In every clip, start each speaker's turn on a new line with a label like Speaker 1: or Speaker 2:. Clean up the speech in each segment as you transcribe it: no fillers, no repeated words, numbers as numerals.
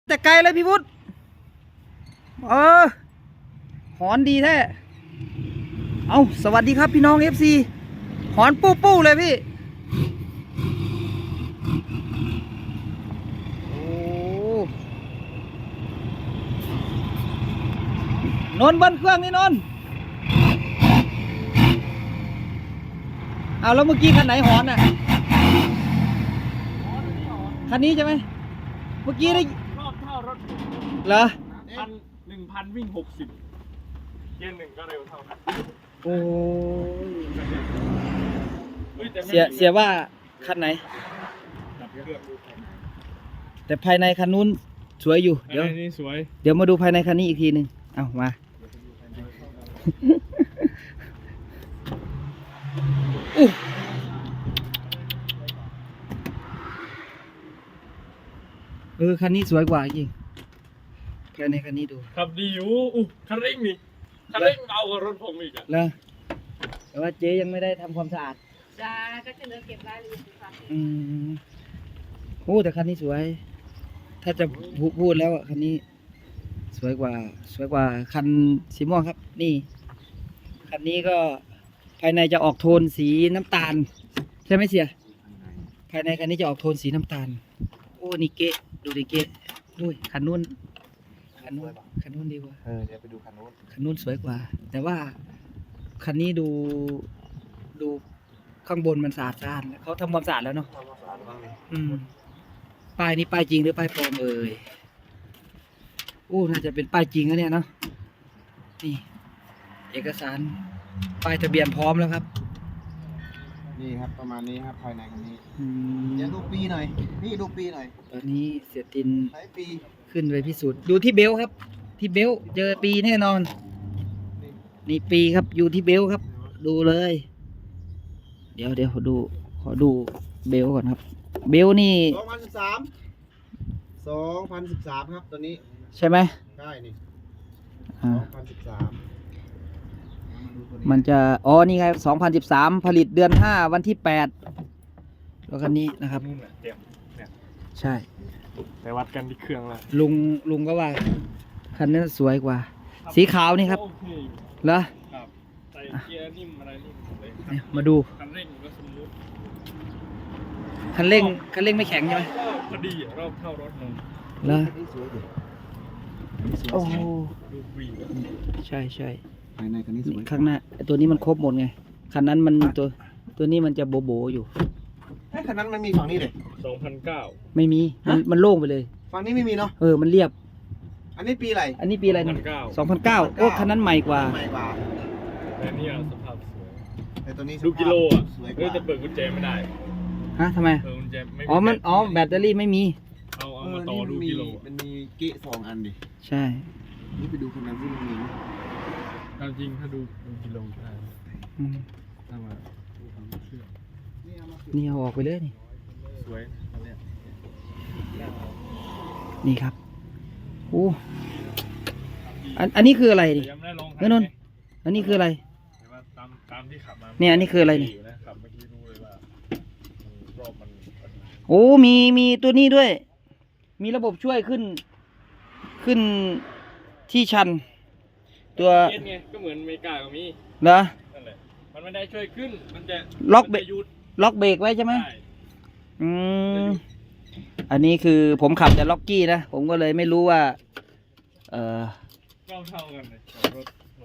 Speaker 1: แต่ไกลเลยพี่วุฒิหอนดีแท้เอาสวัสดีครับพี่น้อง FC หอนปู้ปู้เลยพี่โอ้นนท์เบิ้ลเครื่องนี่นนท์เอาแล้วเมื่อกี้คันไหนหอนน่ะคันนี้ใช่ไหมเมื่อกี้ได้
Speaker 2: รอบเท่ารถ
Speaker 1: เหรอ
Speaker 2: 1,000วิ่ง60เกียร์หนึ่งก็เร็วเท่านั้น
Speaker 1: โอ้
Speaker 2: เ
Speaker 1: สียว่าคันไหนแต่ภายในคันนู้นสวยอยู่เดี๋ยวมาดูภายในคันนี้อีกทีหนึ่งเอามาคันนี้สวยกว่าจริงภายในคันนี้ดู
Speaker 2: ขับดีอยู่คันเร่งนี่คันเร่งเบากว่ารถผมอีก
Speaker 1: แล้วแต่ว่าเจ๊ยังไม่ได้ทำความสะอาด
Speaker 3: จ้าก็จะเหลือเก็บรายละเอียดค่ะ
Speaker 1: แต่คันนี้สวยถ้าจะพูดแล้วคันนี้สวยกว่าคันสีม่วงครับนี่คันนี้ก็ภายในจะออกโทนสีน้ำตาลใช่ไหมเสียภายในคันนี้จะออกโทนสีน้ำตาลนี่เก๊ดูดิเก๊คันนู้นดีกว่า
Speaker 4: เดี๋ยวไปดูคัน
Speaker 1: นู้นสวยกว่าแต่ว่าคันนี้ดูข้างบนมันสะอาดเขาทำความสะอาดแล้วเนาะป้ายนี้ป้ายจริงหรือป้ายปลอมน่าจะเป็นป้ายจริงนะเนี่ยเนาะนี่เอกสารป้ายทะเบียนพร้อมแล้วครับ
Speaker 4: นี่ครับประมาณนี้ครับภายในคันนี้เดี๋ยวดูปีหน่อยนี่ดูปีหน่อย
Speaker 1: ตอนนี้เสียติน
Speaker 4: ใช้ปี
Speaker 1: ขึ้นไปพิสูจน์ดูที่เบลครับที่เบลเจอปีแน่นอนนี่ปีครับอยู่ที่เบลครับดูเลยเดี๋ยวขอดูเบลก่อนครับเบลนี่
Speaker 4: 2013ครับตัวนี้
Speaker 1: ใช่ไหม
Speaker 4: ใช่นี่2013
Speaker 1: มันจะนี่ไง2013ผลิตเดือน5วันที่8แล้วคันนี้นะครับใช่
Speaker 2: ไปวัดกันที่เครื่องแล้ว
Speaker 1: ลุงก็ว่าคันนี้สวยกว่าสีขาวนี่ครับเหรอ
Speaker 2: ครับใส่เกียร์นิ่มอะไรนิ่ม
Speaker 1: เลยมาดู
Speaker 2: คันเร่งก็สมูท
Speaker 1: คันเร่งไม่แข็งใช่ไหม
Speaker 2: พอดีรอบเท่ารถนน
Speaker 1: เหรอ
Speaker 2: ดูวี
Speaker 1: ใช่
Speaker 4: ภายในคันนี้สวย
Speaker 1: ข้างหน้าตัวนี้มันครบหมดไงคันนั้นมันตัวนี้มันจะโบอยู่
Speaker 4: คันนั้นมันมีฝั่งนี้เลย
Speaker 2: 2009
Speaker 1: ไม่มีมันโล่งไปเลย
Speaker 4: ฝั่งนี้ไม่มีเนาะ
Speaker 1: มันเรียบ
Speaker 4: อันนี้ปีอะไร
Speaker 1: เนี่ย2009คันนั้นใหม่กว่า
Speaker 2: แต่นี่สภาพสวย
Speaker 4: แต่ตัวนี้
Speaker 2: ดูกิโลจะเปิดกุญแจไม่ได้
Speaker 1: ทำไม
Speaker 2: กุญแจไม่
Speaker 1: แบตเตอรี่ไม่มี
Speaker 2: เอามาต่อดูกิโล
Speaker 4: มันมีเกะ2 อันดิ
Speaker 1: ใช่
Speaker 4: นี่ไปดูคันนั้นที่มันมีไหม
Speaker 2: จริงถ้าดูกิโลได้ถ้ามา
Speaker 1: นี่เอาออกไปเลยนี่
Speaker 2: สวยอันนี้
Speaker 1: นี่ครับอันนี้คืออะไรดินนท์อันนี้คืออะไร
Speaker 2: ตามที่ขับมา
Speaker 1: เนี่ยอันนี้คืออะไรนี่
Speaker 2: ขับเมื่อกี้รู้เลยว่ารอบมัน
Speaker 1: มีตัวนี้ด้วยมีระบบช่วยขึ้นที่ชันตัว
Speaker 2: ไงก็เหมือนอเมริกาก็มี
Speaker 1: เหรอ
Speaker 2: นั่นแหละมันไม่ได้ช่วยขึ้นมันจะ
Speaker 1: ล็อกเบรกไว้ใช่ไหมอันนี้คือผมขับแต่ล็อกกี้นะผมก็เลยไม่รู้ว่า
Speaker 2: เท่ากันเลยรถ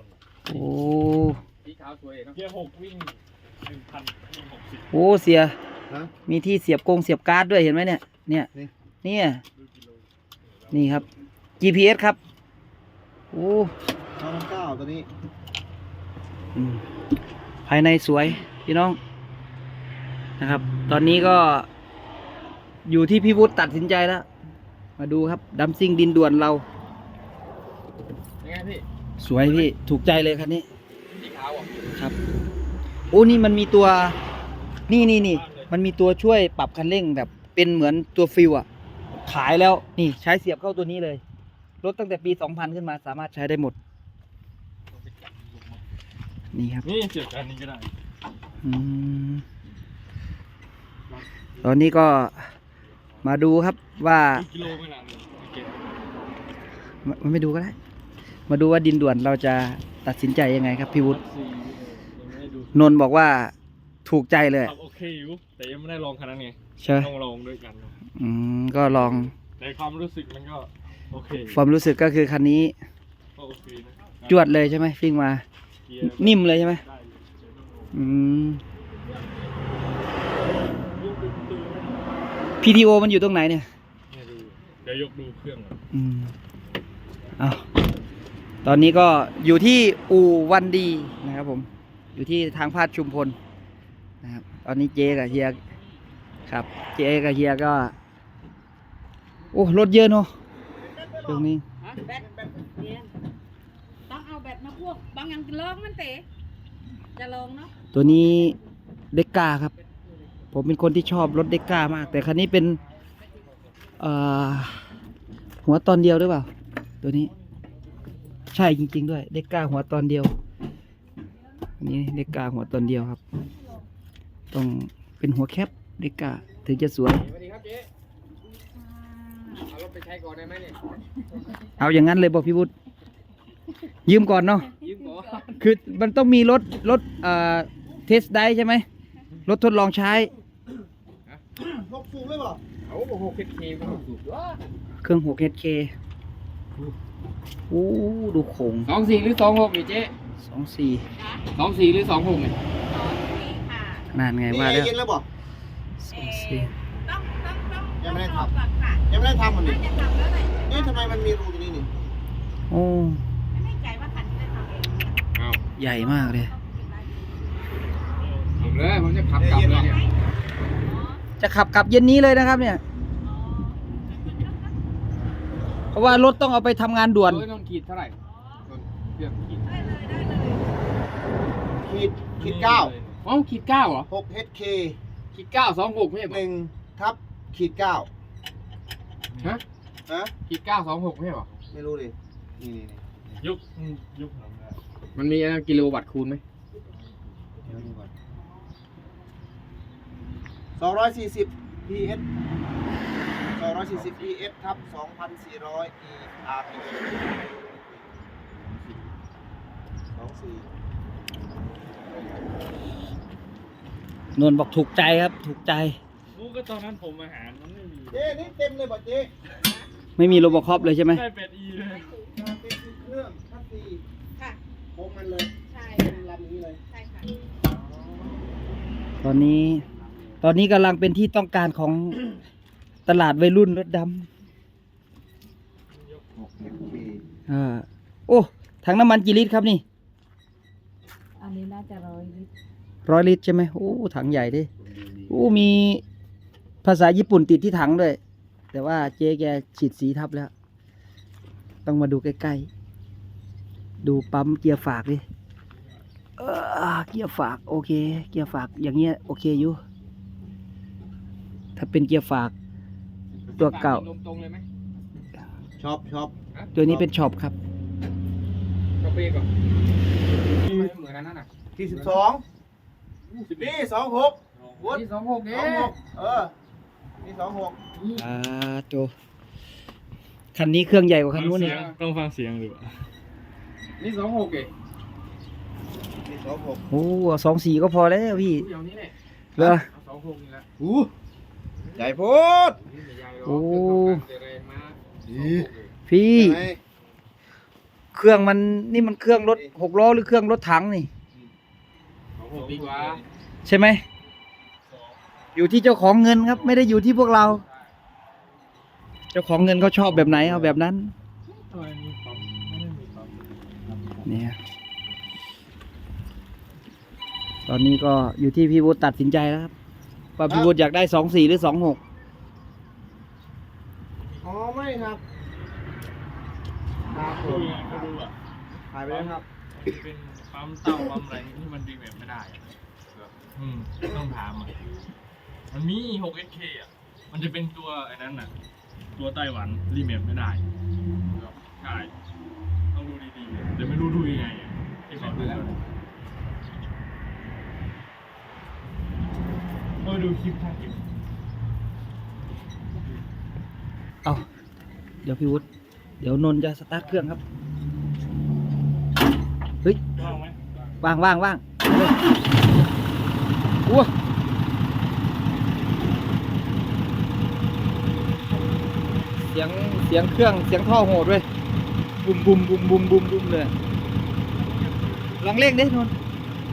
Speaker 2: สีขาวสวยเกียร์6วิ่ง1,000วิ่ง
Speaker 1: 60เสียมีที่เสียบการ์ดด้วยเห็นไหมเนี่ยนี่ครับ GPS ครับ
Speaker 4: 2009ตัวนี้
Speaker 1: ภายในสวยพี่น้องนะครับตอนนี้ก็อยู่ที่พี่วุฒิตัดสินใจแล้วมาดูครับดัมซิ่งดินด่วนเรา
Speaker 2: ยังไงพี่
Speaker 1: สวยพี่ถูกใจเลยคันนี้
Speaker 2: สีขาว
Speaker 1: ครับนี่มันมีตัวนี่มันมีตัวช่วยปรับคันเร่งแบบเป็นเหมือนตัวฟิวขายแล้วนี่ใช้เสียบเข้าตัวนี้เลยรถตั้งแต่ปี2000ขึ้นมาสามารถใช้ได้หมดนี่ครับ
Speaker 2: นี่เสียบอันนี้ก็ได้
Speaker 1: ตอนนี้ก็มาดูครับว่า
Speaker 2: กิโลไม่นาน
Speaker 1: มันไม่ดูก็ได้ มาดูว่าดินด่วนเราจะตัดสินใจยังไงครับพี่วุฒิ
Speaker 2: 4ยังไม่ได้ดู
Speaker 1: นนท์บอกว่าถูกใจเลย
Speaker 2: ขับโอเคอยู่แต่ยังไม่ได้ลองคันนั้นไง
Speaker 1: ใช่ไหม
Speaker 2: ต้องลองด้วยกัน
Speaker 1: ก็ลอง
Speaker 2: ในความรู้สึกมันก็โอเค
Speaker 1: ความรู้สึกก็คือคันนี้
Speaker 2: ก็โอเคนะ
Speaker 1: จวดเลยใช่ไหมฟิ่งมา
Speaker 2: เกียร์
Speaker 1: นิ่มเลยใช่ไหม
Speaker 2: ได้อยู่เดี๋ยวต้องลอง
Speaker 1: อืม
Speaker 2: ยกดูประตูไหม
Speaker 1: PTO มันอยู่ตรงไหนเนี่ย
Speaker 2: เนี่ยดูเดี๋ยวยกดูเครื่องก่อน
Speaker 1: เอาตอนนี้ก็อยู่ที่อู่วันดีนะครับผม อยู่ที่ทางพาดชุมพลนะครับ ตอนนี้เจกับเฮียครับ เจกับเฮียก็ โอ้รถเยอะเนาะตรงนี้
Speaker 3: แบตเนี่ยต้องเอาแบตมาพวกบางอย่างลองมันเตะจะลองเนาะ
Speaker 1: ตัวนี้เด็กก้าครับ ผมเป็นคนที่ชอบรถเด็กก้ามาก แต่คันนี้เป็นหัวตอนเดียวหรือเปล่า ตัวนี้ ใช่จริงๆด้วยเด็กก้าหัวตอนเดียวอันนี้เด็กก้าหัวตอนเดียวครับ ต้องเป็นหัวแคปเด็กก้าถึงจะสวย
Speaker 4: สวัสดีครับเจ๊เอารถไปใช้ก่อนได้ไหมเนี่ย
Speaker 1: เอาอย่างนั้นเลยบอกพี่วุฒิยืมก่อนเนาะ
Speaker 4: ยืมก่อน
Speaker 1: คือมันต้องมีรถเทสได้ใช่ไหมรถทดลองใช้
Speaker 4: หกสูบเลยเปล่าเอาหกเคไม่หกสูบวะ
Speaker 1: เครื่อง 6HK โอ้ดูโขง
Speaker 5: 24 หรือ 26นี่เจ๊
Speaker 1: 24
Speaker 5: 24 หรือ 26นี่
Speaker 3: ค่ะ
Speaker 1: นานไง
Speaker 4: นี่
Speaker 1: ว่า
Speaker 4: แอ
Speaker 1: แล้ว
Speaker 4: ร์เย็นแล้วบอก
Speaker 1: 24
Speaker 3: ต้อง
Speaker 4: ยังไม่ได้ทำ
Speaker 3: ลอก่อนค่ะ
Speaker 4: ยังไม่ได้ทำมัน
Speaker 3: น่า
Speaker 4: นี่
Speaker 3: จะทำแล้วแหละ
Speaker 4: เอ๊ะทำไมมันมีรูตรงนี้นี่
Speaker 1: โอ้
Speaker 3: ไม่แน่ใจว่าทันจะทำเอง
Speaker 5: เอา
Speaker 1: ใหญ่มากเลย
Speaker 5: ทำเลยผมจะขับกลับเลยเนี่ย
Speaker 1: จะขับกลับเย็นนี้เลยนะครับเนี่ย เพราะว่ารถต้องเอาไปทำงานด่วน
Speaker 5: โอ้ยนนขีดเท่าไหร่นนเครื่องขีด
Speaker 3: ได้เลยได้เลย
Speaker 4: ขีดเก้า
Speaker 5: อ๋อขีด 9เหรอ
Speaker 4: 6HK
Speaker 5: ขีด 9 26ไม่ใช่เหรอ
Speaker 4: 1/ขีด 9
Speaker 5: ฮะ
Speaker 4: ฮะ
Speaker 5: ขีด 9 26ไม่ใช่เหรอ
Speaker 4: ไม่รู้ดินี่
Speaker 2: ยกยกหลังได้
Speaker 5: มันมีกิโลวัตต์คูณไหม
Speaker 4: 240 PS 240 PS ทับ2,400 ERP
Speaker 1: นนท์บอกถูกใจครับ ถูกใจ
Speaker 2: กูก็ตอนนั้นผมอาหารมันไม่มี
Speaker 4: เจ๊นี่เต็มเลยบ่เจ๊
Speaker 1: ไม่มีโรบอคอปเลยใช่ไหม
Speaker 2: ได้8E เลย
Speaker 4: เป็นเครื่องทับสี่
Speaker 3: ค่ะ
Speaker 4: โค้งมันเลย
Speaker 3: ใช่
Speaker 4: เป็นลำนี้เลย
Speaker 3: ใช่ค่ะ
Speaker 1: ตอนนี้กำลังเป็นที่ต้องการของตลาดวัยรุ่นรถด
Speaker 4: 6HK
Speaker 1: ำโอ้ถังน้ำมันกี่ลิตรครับนี่
Speaker 3: อันนี้น่าจะ100 ลิตร
Speaker 1: 100 ลิตรใช่ไหมโอ้ถังใหญ่ดิโอ้มีภาษาญี่ปุ่นติดที่ถังด้วย แต่ว่าเจ๊แกฉีดสีทับแล้ว ต้องมาดูใกล้ๆ ดูปั๊มเกียร์ฝากดิเกียร์ฝากโอเค เกียร์ฝากอย่างเงี้ยโอเคอยู่ ถ้าเป็นเกียร์ฝาก ตัวเก่า
Speaker 5: ลมตรงเลยไหม
Speaker 4: ชอบ
Speaker 1: ตัวนี้เป็นช็อปครับ
Speaker 5: ก็เปรี้ยวก่อนเหมือนกันนั่นน่ะ
Speaker 4: ที่12นี่26วุฒิ
Speaker 5: ที่26เนี่ย
Speaker 4: 26นี่26
Speaker 1: โจคันนี้เครื่องใหญ่กว่าคันนู้น
Speaker 2: เสี
Speaker 1: นี่
Speaker 2: ยงต้องฟังเสียงดู
Speaker 5: นี่26เอง
Speaker 4: นี่26
Speaker 1: โอ้24ก็พอแล้วพี่
Speaker 5: เดี๋ยวนี้แหละ
Speaker 1: เหรอ
Speaker 5: เอา26นี่แหละ
Speaker 4: ใหญ่โพูด
Speaker 5: นี่ไม่ใหญ่หรอก
Speaker 1: โอ้
Speaker 5: เครื่องทำการแรงมาก
Speaker 1: พี่
Speaker 4: ใช่ไหม
Speaker 1: เครื่องมันนี่มันเครื่องรถ6 ล้อหรือเครื่องรถถังนี่
Speaker 5: 26ดีกว่า
Speaker 1: ใช่ไหม อยู่ที่เจ้าของเงินครับ ไม่ได้อยู่ที่พวกเรา เจ้าของเงินเขาชอบแบบไหนเอาแบบนั้น
Speaker 2: ทำไมมีปั๊มไม่ได้มีปั๊ม
Speaker 1: เนี่ย ตอนนี้ก็อยู่ที่พี่วุฒิตัดสินใจแล้วครับว่าพี่วุฒิอยากได้24หรือ26
Speaker 4: อ๋อไม่ครับครับผ
Speaker 2: ดู
Speaker 4: ม
Speaker 2: ไงก็ดูอ่ะ
Speaker 4: ถ่ายไปแล้วครับ
Speaker 2: เป็นปั๊มเต้าปั๊มอะไรที่มันดีแบบไม่ได้อะต้องถามอ่ะมันมี 6SK อ่ะมันจะเป็นตัวไอ้นั้นน่ะ ตัวไต้หวันรีเมทไม่ได้ใช่ต้องดูดีๆแต่ไม่รู้ดูยังไงอ่ะที่เขาดูกันดูคลิปท่านคลิป
Speaker 1: เอาเดี๋ยวพี่วุฒิเดี๋ยวนนท์จะสตาร์ทเครื่องครับ เฮ้ย
Speaker 2: ว่างไหม
Speaker 1: ว่างว่างว่างไปเลยอ้วเสียงเครื่องเสียงท่อโหดด้วยบุมบุมบุมบุมบุมบุมเลยลองเร่งดินนท์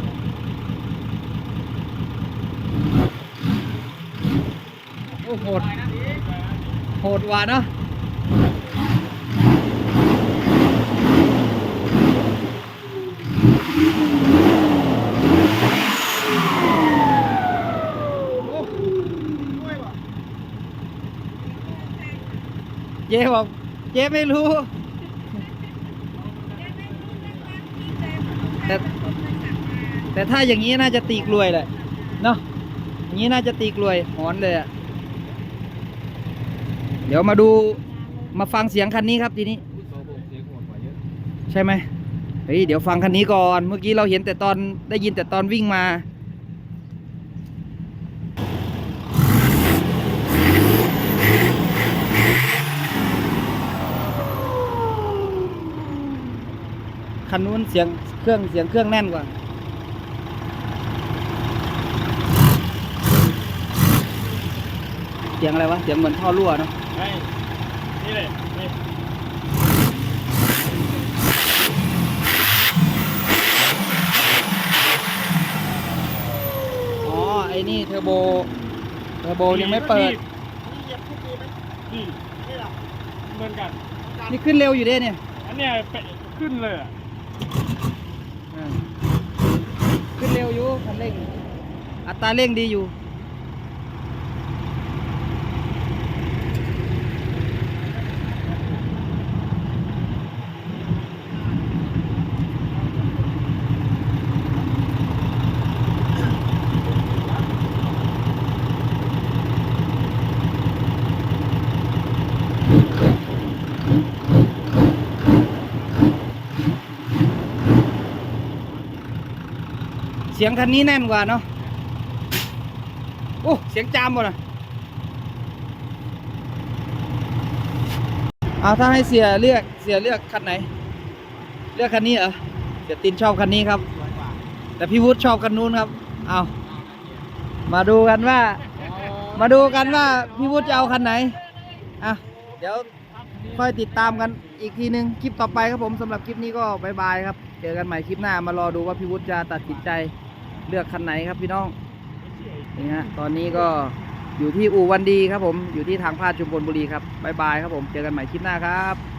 Speaker 1: โอ้โหดโหดว่ะเนาะเจ๊บอกเจ๊ไม่รู้ แต่ถ้าอย่างนี้น่าจะตีกลวยแหละเนาะอย่างนี้น่าจะตีกลวยหอนเลยอะเดี๋ยวมาดูมาฟังเสียงคันนี้ครับทีนี้
Speaker 5: โซ่เสียงโหดกว่าเยอะ
Speaker 1: ใช่ไหมเฮ้ยเดี๋ยวฟังคันนี้ก่อนเมื่อกี้เราเห็นแต่ตอนได้ยินแต่ตอนวิ่งมาคันนู้นเสียงเครื่องแน่นกว่าเสียงอะไรวะเสียงเหมือนท่อรั่วเนาะ
Speaker 2: ไม่นี่เลยนี่
Speaker 1: อ๋อไอ้นี่เทอร์โบยังไม่เปิด
Speaker 2: นี่เหมือนกัน
Speaker 1: นี่ขึ้นเร็วอยู่เด้เนี่ย
Speaker 2: อันเนี้ยขึ้นเลยอ่ะ
Speaker 1: ขึ้นเร็วอยู่คันเร่งอัตราเร่งดีอยู่เสียงคันนี้แน่นกว่าเนาะโอ้เสียงจามหมดอ่ะเอาถ้าให้เสียเลือกคันไหน เลือกคันนี้เหรอเสียตินชอบคันนี้ครับ แต่พี่วุฒิชอบคันนู้นครับเอามาดูกันว่าพี่วุฒิจะเอาคันไหนอ่ะเดี๋ยวค่อยติดตามกันอีกทีนึงคลิปต่อไปครับผมสำหรับคลิปนี้ก็บายบายครับเจอกันใหม่คลิปหน้ามารอดูว่าพี่วุฒิจะตัดสินใจเลือกคันไหนครับพี่น้องนี่ฮะตอนนี้ก็อยู่ที่อู่วันดีครับผมอยู่ที่ทางพาดชุมพลบุรีครับบายบายครับผมเจอกันใหม่คลิปหน้าครับ